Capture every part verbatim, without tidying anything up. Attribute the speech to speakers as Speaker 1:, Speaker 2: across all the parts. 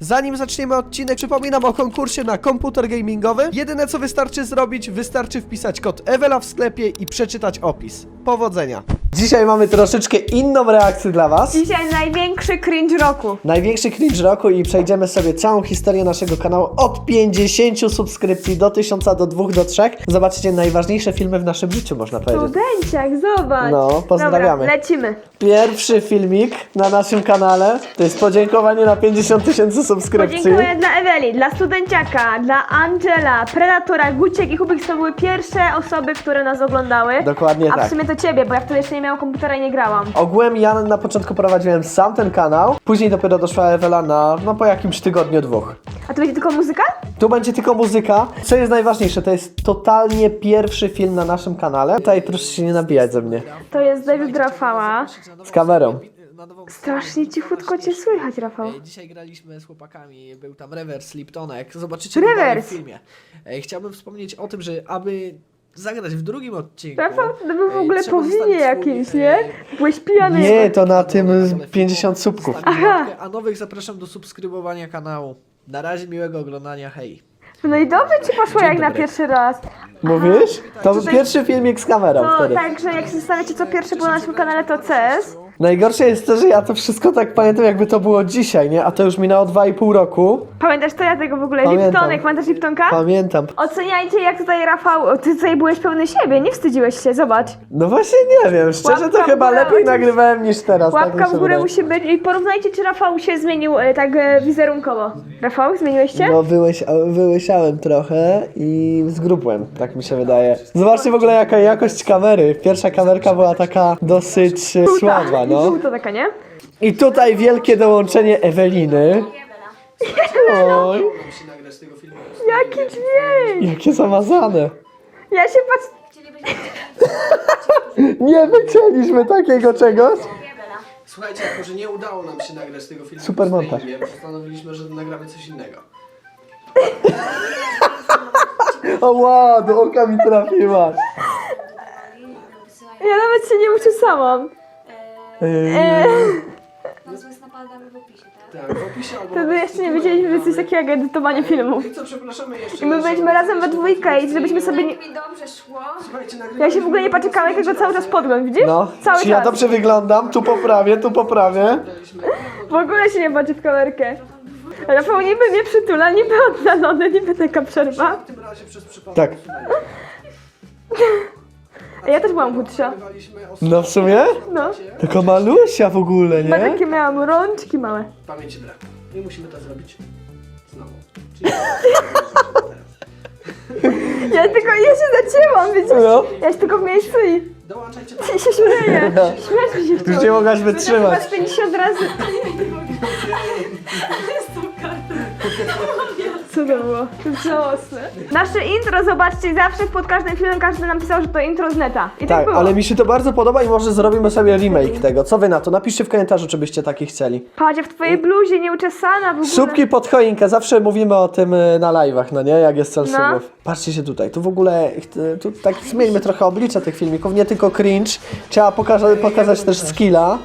Speaker 1: Zanim zaczniemy odcinek, przypominam o konkursie na komputer gamingowy. Jedyne co wystarczy zrobić, wystarczy wpisać kod Ewela w sklepie i przeczytać opis. Powodzenia! Dzisiaj mamy troszeczkę inną reakcję dla was.
Speaker 2: Dzisiaj największy cringe roku.
Speaker 1: Największy cringe roku i przejdziemy sobie całą historię naszego kanału od pięćdziesięciu subskrypcji do tysiąca, do dwóch, do trzech. Zobaczycie najważniejsze filmy w naszym życiu, można powiedzieć.
Speaker 2: Studenciak, zobacz.
Speaker 1: No, pozdrawiamy.
Speaker 2: Dobra, lecimy.
Speaker 1: Pierwszy filmik na naszym kanale to jest podziękowanie na pięćdziesiąt tysięcy subskrypcji.
Speaker 2: Podziękuję dla Eweli, dla Studenciaka, dla Angela, Predatora, Guciek i Hubik. To były pierwsze osoby, które nas oglądały.
Speaker 1: Dokładnie
Speaker 2: A
Speaker 1: tak.
Speaker 2: w sumie to ciebie, bo ja wtedy jeszcze nie miałam komputera i nie grałam.
Speaker 1: Ogółem ja na początku prowadziłem sam ten kanał, później dopiero doszła Ewela na, no po jakimś tygodniu, dwóch.
Speaker 2: A to będzie tylko muzyka?
Speaker 1: Tu będzie tylko muzyka. Co jest najważniejsze, to jest totalnie pierwszy film na naszym kanale. Tutaj proszę się nie nabijać ze mnie.
Speaker 2: To jest David Rafała.
Speaker 1: Z kamerą.
Speaker 2: Strasznie cichutko cię słychać, Rafał.
Speaker 3: E, Dzisiaj graliśmy z chłopakami, był tam Rewers, Liptonek, zobaczycie to
Speaker 2: Rewers.
Speaker 3: dalej w filmie. E, Chciałbym wspomnieć o tym, że aby zagrać w drugim odcinku...
Speaker 2: Rafał, to był w
Speaker 3: e,
Speaker 2: ogóle
Speaker 3: trzeba
Speaker 2: po winie
Speaker 3: zostawić swój,
Speaker 2: jakimś,
Speaker 3: e,
Speaker 2: nie? Byłeś pijany.
Speaker 1: Nie, to na tym pięćdziesiąt subków.
Speaker 3: Zostawić
Speaker 2: Aha.
Speaker 3: łapkę, a nowych zapraszam do subskrybowania kanału. Na razie miłego oglądania, hej.
Speaker 2: No i dobrze ci poszło
Speaker 3: Dzień
Speaker 2: jak na
Speaker 3: dobry.
Speaker 2: pierwszy raz.
Speaker 1: Mówisz? To był
Speaker 2: Tutaj-
Speaker 1: pierwszy filmik z kamerą
Speaker 2: To
Speaker 1: wtedy.
Speaker 2: także jak się zastanawiacie, co pierwsze było na naszym kanale, to C S.
Speaker 1: Najgorsze jest to, że ja to wszystko tak pamiętam, jakby to było dzisiaj, nie? A to już minęło dwa i pół roku.
Speaker 2: Pamiętasz to ja tego w ogóle?
Speaker 1: Pamiętam.
Speaker 2: Liptonek, pamiętasz Liptonka?
Speaker 1: Pamiętam.
Speaker 2: Oceniajcie jak tutaj Rafał, ty tutaj byłeś pełny siebie, nie wstydziłeś się, zobacz.
Speaker 1: No właśnie nie wiem, szczerze
Speaker 2: Łapka
Speaker 1: to
Speaker 2: w
Speaker 1: chyba
Speaker 2: górę,
Speaker 1: lepiej
Speaker 2: ojciec.
Speaker 1: nagrywałem niż teraz. tak mi
Speaker 2: Łapka
Speaker 1: się
Speaker 2: w górę
Speaker 1: wydaje.
Speaker 2: musi być i porównajcie czy Rafał się zmienił e, tak e, wizerunkowo. Rafał, zmieniłeś się?
Speaker 1: No wyłyś, wyłysiałem trochę i zgrubłem, tak mi się wydaje. Zobaczcie w ogóle jaka jakość kamery. Pierwsza kamerka była taka dosyć e, słaba, no.
Speaker 2: Żółta taka, nie?
Speaker 1: I tutaj wielkie dołączenie Eweliny. Oj,
Speaker 2: Jaki dźwięk!
Speaker 1: jakie zamazane.
Speaker 2: Ja się patrzę...
Speaker 1: Nie wycięliśmy takiego czegoś.
Speaker 3: Słuchajcie, jako że nie udało nam się nagrać tego filmu
Speaker 1: Super
Speaker 3: w
Speaker 1: montaż.
Speaker 3: streamie, postanowiliśmy, że nagramy coś innego.
Speaker 1: O wow, do oka mi trafiłaś.
Speaker 2: Ja nawet się nie uczesałam.
Speaker 1: Eee,
Speaker 4: Nazwę napadamy w opisie, tak?
Speaker 3: Tak, w opisie albo...
Speaker 2: Wtedy jeszcze nie wiedzieliśmy, że coś takiego jak edytowanie filmów.
Speaker 3: I co, przepraszamy jeszcze
Speaker 2: I my
Speaker 3: raz, że
Speaker 2: byliśmy razem we dwójkę i żebyśmy sobie nie...
Speaker 4: Mi dobrze szło.
Speaker 3: Słuchajcie,
Speaker 2: Ja się w ogóle nie paczykałam, jak go cały czas podgląd, widzisz?
Speaker 1: No,
Speaker 2: Cały
Speaker 1: czy ja
Speaker 2: czas.
Speaker 1: dobrze wyglądam? Tu poprawię, tu poprawię.
Speaker 2: W ogóle się nie patrzy w kamerkę. Rafał niby mnie przytula, niby oddalony, niby taka przerwa.
Speaker 3: W tym razie przez przypadek...
Speaker 1: Tak.
Speaker 2: Ja też byłam chudsza.
Speaker 3: Nagrywaliśmy o
Speaker 1: No w sumie?
Speaker 2: No.
Speaker 1: Taka malusia w ogóle,
Speaker 2: Chyba
Speaker 1: nie?
Speaker 2: takie miałam rączki małe.
Speaker 3: pamięci brak. I musimy to zrobić znowu. Czyli...
Speaker 2: Ja tylko, ja się zacięłam, widzisz?
Speaker 1: No.
Speaker 2: Ja się tylko w miejscu i,
Speaker 3: Dołączajcie
Speaker 2: i się śmieję. Śmiać mi się
Speaker 1: Już nie
Speaker 2: chciało.
Speaker 1: mogłaś
Speaker 2: Chyba
Speaker 1: wytrzymać.
Speaker 2: z pięćdziesiąt razy. Co to było? To jest żałosne. Nasze intro, zobaczcie, zawsze pod każdym filmem każdy nam pisał, że to intro z neta. I tak,
Speaker 1: Tak,
Speaker 2: było.
Speaker 1: ale mi się to bardzo podoba i może zrobimy sobie remake tego. Co wy na to? Napiszcie w komentarzu, czy byście taki chcieli.
Speaker 2: Patrz, w twojej bluzie nieuczesana w ogóle.
Speaker 1: Subki pod choinkę, zawsze mówimy o tym y, na live'ach, no nie? Jak jest cel
Speaker 2: No.
Speaker 1: subów. Patrzcie się tutaj, tu w ogóle, y, tu tak zmieńmy trochę oblicze tych filmików, nie tylko cringe. Trzeba pokaza pokazać też skilla.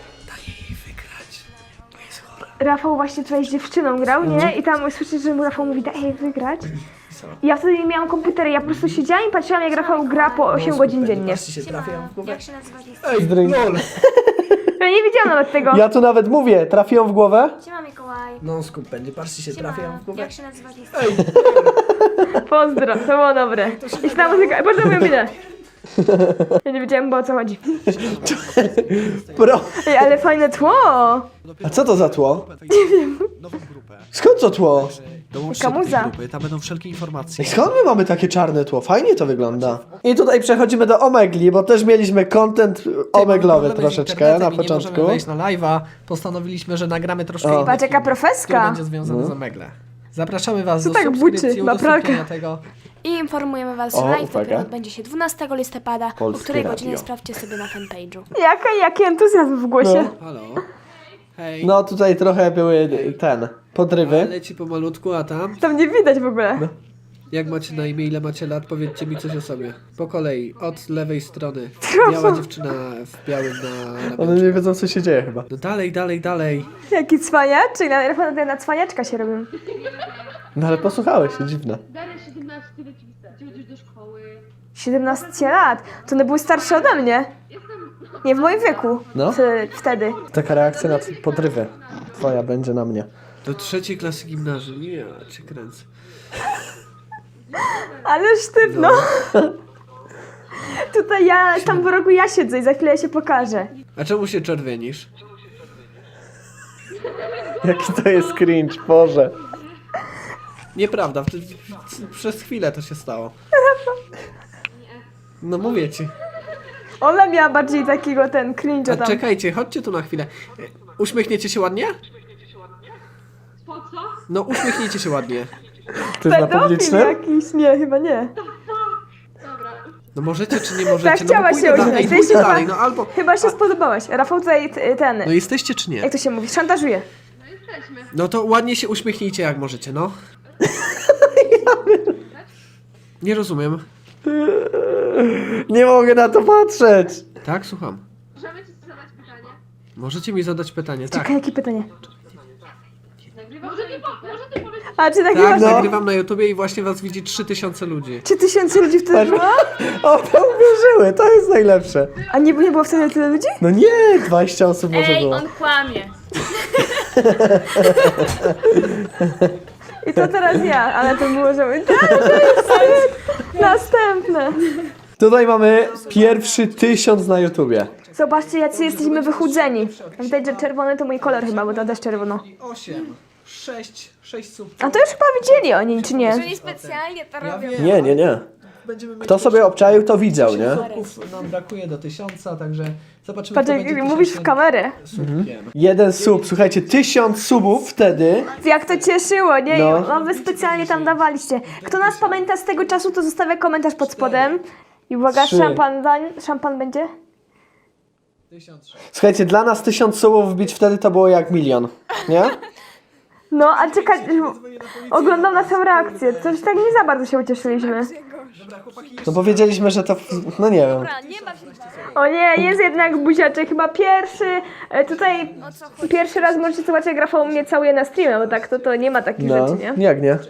Speaker 2: Rafał właśnie tutaj z dziewczyną grał, nie? I tam słyszysz, że mu Rafał mówi, daj jej wygrać. I ja wtedy nie miałam komputera, ja po prostu siedziałam i patrzyłam, jak Rafał gra po osiem godzin dziennie.
Speaker 3: Patrzcie się, trafiają w głowę.
Speaker 4: Jak się nazywa list?
Speaker 3: Ej,
Speaker 1: Drink.
Speaker 3: lol!
Speaker 2: Ja nie widziałam nawet tego.
Speaker 1: Ja tu nawet mówię, trafią w głowę?
Speaker 4: Siema Mikołaj.
Speaker 3: Non scoop będzie, patrzcie się, trafiają w głowę.
Speaker 4: Jak się nazywa list?
Speaker 2: Pozdro, to było dobre. I ta muzyka, bardzo moją minę. Ja nie wiedziałam, bo o co chodzi.
Speaker 1: Pro.
Speaker 2: Ej, ale fajne tło.
Speaker 1: A co to za tło?
Speaker 3: Nową grupę.
Speaker 1: Skąd to tło?
Speaker 3: Dołączcie
Speaker 2: Taka
Speaker 3: do tej
Speaker 2: muza.
Speaker 3: grupy, tam będą wszelkie informacje.
Speaker 1: I skąd my mamy takie czarne tło? Fajnie to wygląda. I tutaj przechodzimy do Omegli, bo też mieliśmy content omeglowy troszeczkę na
Speaker 3: Nie
Speaker 1: początku.
Speaker 3: możemy wejść na live'a, postanowiliśmy, że nagramy troszkę
Speaker 1: O.
Speaker 3: inny
Speaker 2: Patrz, jaka
Speaker 3: film,
Speaker 2: profeska.
Speaker 3: który będzie związany z Omegle. Zapraszamy was
Speaker 2: Co
Speaker 3: do
Speaker 2: tak
Speaker 3: subskrypcji,
Speaker 2: buczy? Ma
Speaker 3: udostępnienia
Speaker 2: pralkę.
Speaker 3: tego.
Speaker 4: I informujemy was,
Speaker 1: O,
Speaker 4: że live
Speaker 1: uwaga.
Speaker 4: dopiero odbędzie się dwunastego listopada,
Speaker 1: Polskie
Speaker 4: o której
Speaker 1: radio.
Speaker 4: godzinie sprawdźcie sobie na fanpage'u.
Speaker 2: Jaka, jaki entuzjazm w głosie.
Speaker 1: No.
Speaker 3: Halo? Hej.
Speaker 1: No tutaj trochę były ten, podrywy.
Speaker 3: Leci pomalutku, a tam?
Speaker 2: Tam nie widać w ogóle.
Speaker 3: Jak macie na imię, ile macie lat? Powiedzcie mi coś o sobie. Po kolei, od lewej strony. Biała dziewczyna w białym na...
Speaker 1: One nie wiedzą, co się dzieje chyba.
Speaker 3: No dalej, dalej, dalej.
Speaker 2: Jaki cwaniaczek, czyli na, na, na cwaniaczka się robią.
Speaker 1: No ale posłuchałeś się, dziwne.
Speaker 5: Darek siedemnaście leci gdzie chodzisz do szkoły.
Speaker 2: siedemnaście lat. To one były starsze ode mnie. Nie w moim wieku.
Speaker 1: No.
Speaker 2: Ty, wtedy.
Speaker 1: Taka reakcja na podrywę twoja będzie na mnie.
Speaker 3: Do trzeciej klasy gimnazjum. Ja cię kręcę.
Speaker 2: Ale sztywno. Tutaj ja, tam w rogu ja siedzę i za chwilę ja się pokażę.
Speaker 3: A czemu się czerwienisz?
Speaker 1: Jaki to jest cringe, Boże.
Speaker 3: Nieprawda, w- w- przez chwilę to się stało. No mówię ci.
Speaker 2: Ona miała bardziej takiego ten cringe'a
Speaker 3: A
Speaker 2: tam.
Speaker 3: czekajcie, chodźcie tu na chwilę. E, Uśmiechniecie się ładnie?
Speaker 5: Po co?
Speaker 3: No uśmiechnijcie się ładnie.
Speaker 1: To jest na
Speaker 2: Pedofil
Speaker 1: publicznym?
Speaker 2: jakiś, nie, chyba nie.
Speaker 5: Dobra.
Speaker 3: No możecie czy nie możecie?
Speaker 2: Tak,
Speaker 3: no
Speaker 2: chciała
Speaker 3: bo pójdę
Speaker 2: się
Speaker 3: dalej,
Speaker 2: uśmiech.
Speaker 3: pójdę
Speaker 2: Ty się
Speaker 3: dalej,
Speaker 2: chyba-
Speaker 3: no albo...
Speaker 2: Chyba się spodobałaś. Rafał tutaj t- ten,
Speaker 3: No jesteście czy nie?
Speaker 2: jak to się mówi, szantażuje.
Speaker 5: No jesteśmy.
Speaker 3: No to ładnie się uśmiechnijcie jak możecie, no. Nie rozumiem.
Speaker 1: Nie mogę na to patrzeć.
Speaker 3: Tak, słucham.
Speaker 5: Możemy ci zadać pytanie?
Speaker 3: Możecie mi zadać pytanie, tak.
Speaker 2: Czekaj, jakie pytanie?
Speaker 5: Nagrywasz może ty, po, może ty powiedz...
Speaker 2: A czy tak,
Speaker 3: Tak,
Speaker 2: no.
Speaker 3: nagrywam na YouTubie i właśnie was widzi trzy tysiące ludzi.
Speaker 2: Czy tysięcy ludzi wtedy było?
Speaker 1: O, to uwierzyły, to jest najlepsze.
Speaker 2: A nie, nie było wtedy tyle ludzi?
Speaker 1: No nie, dwadzieścia osób może
Speaker 4: Ej,
Speaker 1: było.
Speaker 4: on kłamie.
Speaker 2: I to teraz ja, ale to było, że... Tak, to jest następne.
Speaker 1: Tutaj mamy pierwszy tysiąc na YouTubie.
Speaker 2: Zobaczcie, jacy jesteśmy wychudzeni. Widać, że czerwony to mój kolor chyba, bo to też czerwono.
Speaker 3: osiem, sześć, sześć sub.
Speaker 2: A to już chyba widzieli oni, czy nie?
Speaker 4: Oni specjalnie to robią.
Speaker 1: Nie, nie, nie.
Speaker 3: Będziemy mieć
Speaker 1: Kto sobie obczaił, to widział, nie?
Speaker 3: subków, nam brakuje do tysiąca, także zobaczymy,
Speaker 2: Patrz,
Speaker 3: kto
Speaker 2: jak
Speaker 3: będzie
Speaker 2: mówisz w
Speaker 3: tysięcznym
Speaker 2: kamerę.
Speaker 3: subkiem.
Speaker 1: Jeden sub, słuchajcie, tysiąc subów wtedy.
Speaker 2: Jak to cieszyło, nie?
Speaker 1: No.
Speaker 2: No wy specjalnie tam dawaliście. Kto nas pamięta z tego czasu, to zostawia komentarz pod spodem. I uwaga,
Speaker 1: Trzy.
Speaker 2: szampan, dań, szampan będzie?
Speaker 3: tysiąc sześć.
Speaker 1: Słuchajcie, dla nas tysiąc subów wbić wtedy to było jak milion, nie?
Speaker 2: No, a czekaj, oglądam naszą reakcję. Coś tak nie za bardzo się ucieszyliśmy.
Speaker 1: No powiedzieliśmy, że to, no nie wiem.
Speaker 4: Dobra, nie baw się.
Speaker 2: O nie, jest jednak buziaczek, chyba pierwszy. e, Tutaj
Speaker 4: O co chodzi?
Speaker 2: pierwszy raz możecie zobaczyć, jak Rafał mnie całuje na streamie, bo tak to, to nie ma takich
Speaker 1: No,
Speaker 2: rzeczy, nie?
Speaker 1: jak nie?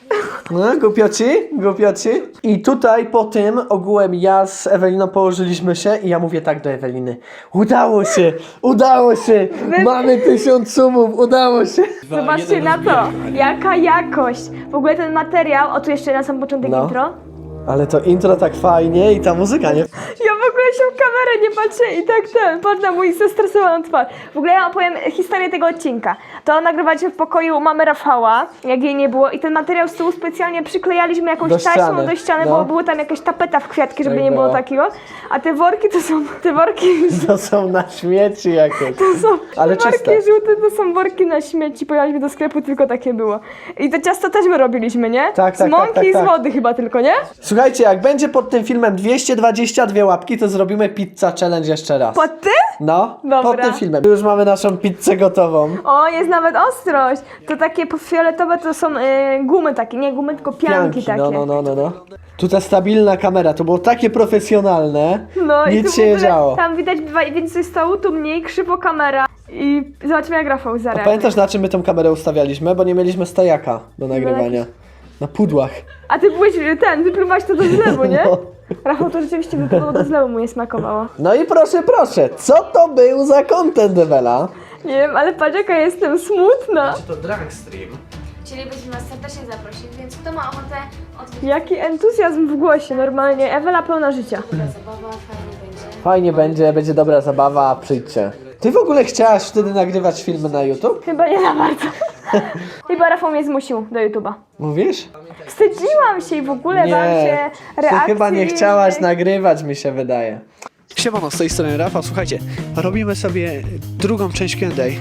Speaker 1: No, głupioci, głupioci. I tutaj po tym ogółem ja z Eweliną położyliśmy się i ja mówię tak do Eweliny. Udało się, udało się, mamy tysiąc subów, udało się.
Speaker 2: Zobaczcie na to, jaka jakość. W ogóle ten materiał, o tu jeszcze na sam początek
Speaker 1: No.
Speaker 2: intro.
Speaker 1: Ale to intro tak fajnie i ta muzyka, nie?
Speaker 2: Ja w ogóle się w kamerę nie patrzę i tak ten, patrz na mój zestresowaną twarz. W ogóle ja opowiem historię tego odcinka. To nagrywaliśmy w pokoju mamy Rafała, jak jej nie było i ten materiał z tyłu specjalnie przyklejaliśmy jakąś
Speaker 1: Do
Speaker 2: taśmą
Speaker 1: ściany,
Speaker 2: do ściany,
Speaker 1: no.
Speaker 2: bo była tam jakaś tapeta w kwiatki, żeby
Speaker 1: Tak
Speaker 2: nie było
Speaker 1: było.
Speaker 2: takiego. A te worki to są, te worki
Speaker 1: To są na śmieci jakieś.
Speaker 2: to są,
Speaker 1: Ale
Speaker 2: te worki
Speaker 1: czyste.
Speaker 2: żółte to są worki na śmieci, pojechaliśmy do sklepu, tylko takie było. I to ciasto też my robiliśmy, nie?
Speaker 1: Tak,
Speaker 2: Z
Speaker 1: tak,
Speaker 2: mąki
Speaker 1: tak,
Speaker 2: i
Speaker 1: tak,
Speaker 2: z
Speaker 1: tak.
Speaker 2: wody chyba tylko, nie?
Speaker 1: Słuchajcie, jak będzie pod tym filmem dwieście dwadzieścia dwie łapki, to zrobimy pizza challenge jeszcze raz.
Speaker 2: Pod ty?
Speaker 1: No,
Speaker 2: Dobra.
Speaker 1: pod tym filmem. Już mamy naszą pizzę gotową.
Speaker 2: O, jest nawet ostrość. To takie fioletowe to są y, gumy takie, nie gumy, tylko pianki, takie.
Speaker 1: no, no, no, no, no. Tutaj stabilna kamera, to było takie profesjonalne.
Speaker 2: No i
Speaker 1: Nic
Speaker 2: tu
Speaker 1: się
Speaker 2: w
Speaker 1: nie
Speaker 2: ogóle,
Speaker 1: działo.
Speaker 2: tam widać dwa- więcej stołu, tu mniej, krzywo kamera. I zobaczymy jak Rafał zareaguje.
Speaker 1: Pamiętasz, na czym my tą kamerę ustawialiśmy? Bo nie mieliśmy stojaka do nagrywania. Na pudłach.
Speaker 2: A ty byłeś y, ten, wypluwałeś to do zlewu, nie?
Speaker 1: No.
Speaker 2: Rafał to rzeczywiście wypluwał do zlewu, mu nie smakowało.
Speaker 1: No i proszę, proszę, co to był za content, Ewela?
Speaker 2: Nie wiem, ale patrz jaka jestem smutna.
Speaker 3: To drag stream.
Speaker 4: Chcielibyśmy was serdecznie zaprosić, więc kto ma ochotę odwiedzić
Speaker 2: Jaki entuzjazm w głosie, normalnie. Ewela pełna życia.
Speaker 4: zabawa, fajnie będzie.
Speaker 1: Fajnie będzie, będzie dobra zabawa, przyjdźcie. Ty w ogóle chciałaś wtedy nagrywać filmy na YouTube?
Speaker 2: Chyba nie za bardzo. Chyba Rafał mnie zmusił do YouTube'a.
Speaker 1: Mówisz?
Speaker 2: Wstydziłam się i w ogóle bałam się
Speaker 1: ty
Speaker 2: reakcji.
Speaker 1: chyba nie chciałaś
Speaker 2: innych.
Speaker 1: nagrywać, mi się wydaje.
Speaker 3: Siemano, z tej strony Rafał. Słuchajcie, robimy sobie drugą część Q and A.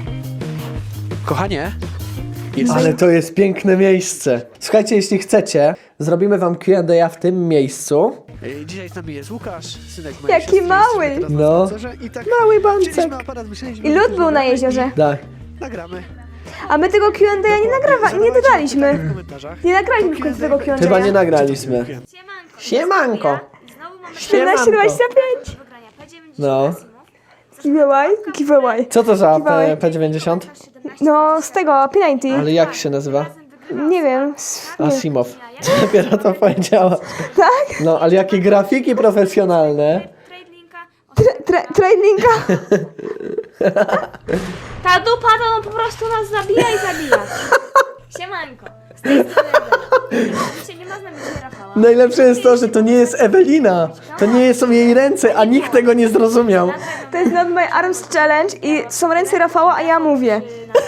Speaker 3: Kochanie, jest...
Speaker 1: Ale to jest piękne miejsce. Słuchajcie, jeśli chcecie, zrobimy wam Q and A w tym miejscu.
Speaker 3: Ej, dzisiaj z nami jest Łukasz, synek mojej
Speaker 2: Jaki
Speaker 3: siostry,
Speaker 2: mały.
Speaker 3: jesteśmy teraz na
Speaker 1: No.
Speaker 3: spacerze I tak
Speaker 1: Mały bancek.
Speaker 3: wzięliśmy aparat, myśleliśmy,
Speaker 2: I
Speaker 3: że
Speaker 2: lód
Speaker 3: to
Speaker 2: był na
Speaker 3: nagramy
Speaker 2: jeziorze.
Speaker 1: Tak.
Speaker 3: i Nagramy.
Speaker 2: A my tego Q and A nie nagrywa, nie dodaliśmy.
Speaker 3: W komentarzach.
Speaker 2: Nie nagraliśmy w końcu tego Q and A.
Speaker 1: Chyba nie nagraliśmy.
Speaker 4: Siemanko.
Speaker 1: Siemanko.
Speaker 4: Znowu mamy
Speaker 2: czternaście dwadzieścia pięć.
Speaker 4: do wygrania. P dziewięćdziesiąt
Speaker 1: No.
Speaker 4: Asimov.
Speaker 2: Giveaway? Giveaway.
Speaker 1: Co to za
Speaker 2: Giveaway.
Speaker 1: P dziewięćdziesiąt?
Speaker 2: No, z tego, P dziewięćdziesiąt.
Speaker 1: Ale jak się nazywa?
Speaker 2: Nie wiem. s- nie.
Speaker 1: Asimov. Dopiero to powiedziała.
Speaker 2: Tak?
Speaker 1: No, ale jakie grafiki profesjonalne.
Speaker 4: Trade linka.
Speaker 2: Tra- tra- Tradinga?
Speaker 4: Ta dupa to on po prostu nas zabija i zabija. Siemanko. Z tej strony Ewela. Oczywiście nie ma z nami dzisiaj Rafała.
Speaker 1: Najlepsze jest to, że to nie jest Ewelina. To nie są jej ręce, a nikt tego nie zrozumiał.
Speaker 2: To jest Not My Arms Challenge i są ręce Rafała, a ja mówię.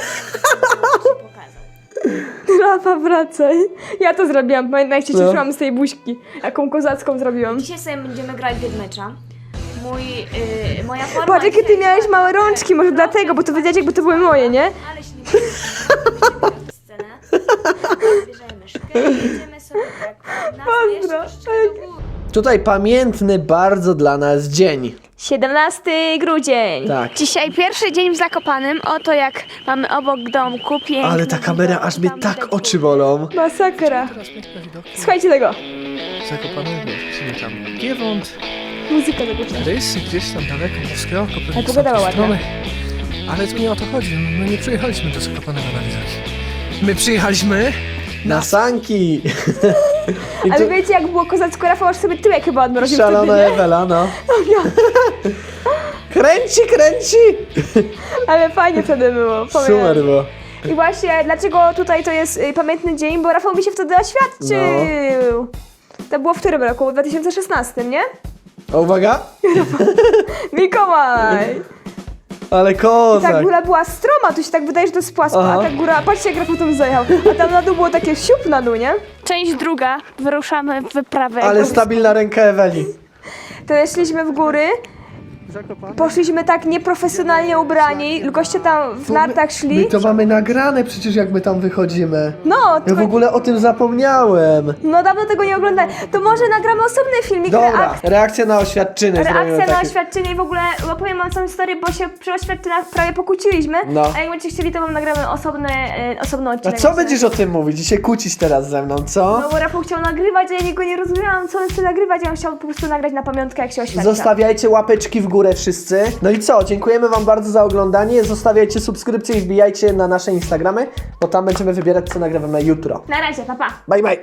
Speaker 2: Rafa, wracaj. Ja to zrobiłam, pamiętam jak się
Speaker 1: No.
Speaker 2: cieszyłam z tej buźki. Jaką kozacką zrobiłam.
Speaker 4: Dzisiaj sobie będziemy grać mecza. Mój, yy, moja forma
Speaker 2: Patrz, jakie ty
Speaker 4: dzisiaj-
Speaker 2: miałeś małe rączki, może dlatego, bo to wiedziałeś jakby to były moje, nie?
Speaker 4: Ale się nie będziemy scenę. Bierzemy myszkę i jedziemy sobie tak na
Speaker 2: Pozdro.
Speaker 4: troszeczkę do góry.
Speaker 1: Tutaj pamiętny bardzo dla nas dzień.
Speaker 2: siedemnasty grudzień.
Speaker 1: Tak.
Speaker 4: Dzisiaj pierwszy dzień w Zakopanem. Oto jak mamy obok domku piękny
Speaker 1: Ale ta kamera aż mnie
Speaker 4: tam
Speaker 1: tak
Speaker 4: widać
Speaker 1: oczy
Speaker 4: góry.
Speaker 1: bolą.
Speaker 2: Masakra.
Speaker 3: Teraz piękne widoki.
Speaker 2: Słuchajcie tego.
Speaker 3: Zakopane, wiesz, czyli tam Giewont,
Speaker 2: Muzyka tego.
Speaker 3: rysy gdzieś tam daleko, włoskie oko, pewnie
Speaker 2: Ale
Speaker 3: są
Speaker 2: pogoda
Speaker 3: te
Speaker 2: ładna.
Speaker 3: strony. Ale tu nie o to chodzi, my nie przyjechaliśmy do Zakopanego na widoki. My przyjechaliśmy...
Speaker 1: Na sanki. I
Speaker 2: Ale
Speaker 1: tu
Speaker 2: wiecie jak było kozacko, Rafał aż sobie tyłek chyba odmroził
Speaker 1: szalona
Speaker 2: wtedy, nie?
Speaker 1: Ewela, no. Kręci, kręci.
Speaker 2: Ale fajnie wtedy było, powiem.
Speaker 1: Super było.
Speaker 2: I właśnie, dlaczego tutaj to jest y, pamiętny dzień, bo Rafał mi się wtedy oświadczył.
Speaker 1: No.
Speaker 2: To było w którym roku? W dwa tysiące szesnastym, nie?
Speaker 1: A uwaga.
Speaker 2: Mikołaj!
Speaker 1: Ale
Speaker 2: Ta
Speaker 1: kozak.
Speaker 2: góra była stroma, tu się tak wydaje, że to jest płasko,
Speaker 1: Aha.
Speaker 2: a ta góra, patrzcie jak Rafał tam zajechał, a tam na dół było takie siup na dół, nie?
Speaker 4: Część druga. Wyruszamy w wyprawę.
Speaker 1: Ale stabilna ręka Eweli.
Speaker 2: To szliśmy w góry, poszliśmy tak nieprofesjonalnie ubrani, goście tam w nartach
Speaker 1: My
Speaker 2: szli.
Speaker 1: to mamy nagrane przecież jak my tam wychodzimy.
Speaker 2: No,
Speaker 1: Ja
Speaker 2: tylko,
Speaker 1: w ogóle o tym zapomniałem.
Speaker 2: no dawno tego nie oglądałem. To może nagramy osobny filmik,
Speaker 1: Dobra,
Speaker 2: reakcji.
Speaker 1: reakcja na oświadczyny zrobimy
Speaker 2: Reakcja na
Speaker 1: takie.
Speaker 2: oświadczenie i w ogóle opowiem wam całą historię, bo się przy oświadczeniach prawie pokłóciliśmy.
Speaker 1: No.
Speaker 2: A jak będziecie chcieli, to wam nagramy osobny, e, osobny
Speaker 1: A
Speaker 2: odcinek.
Speaker 1: co będziesz o tym mówić? I się kłócić teraz ze mną, co?
Speaker 2: No bo Rafał chciał nagrywać, a ja niego nie rozumiałam, co on chce nagrywać, ja on chciał po prostu nagrać na pamiątkę, jak się oświadcza.
Speaker 1: Zostawiajcie łapeczki w górę wszyscy. No i co? Dziękujemy wam bardzo za oglądanie. Zostawiajcie subskrypcje i wbijajcie na nasze Instagramy, bo tam będziemy wybierać, co nagrywamy jutro.
Speaker 2: Na razie, pa pa.
Speaker 1: Bye bye!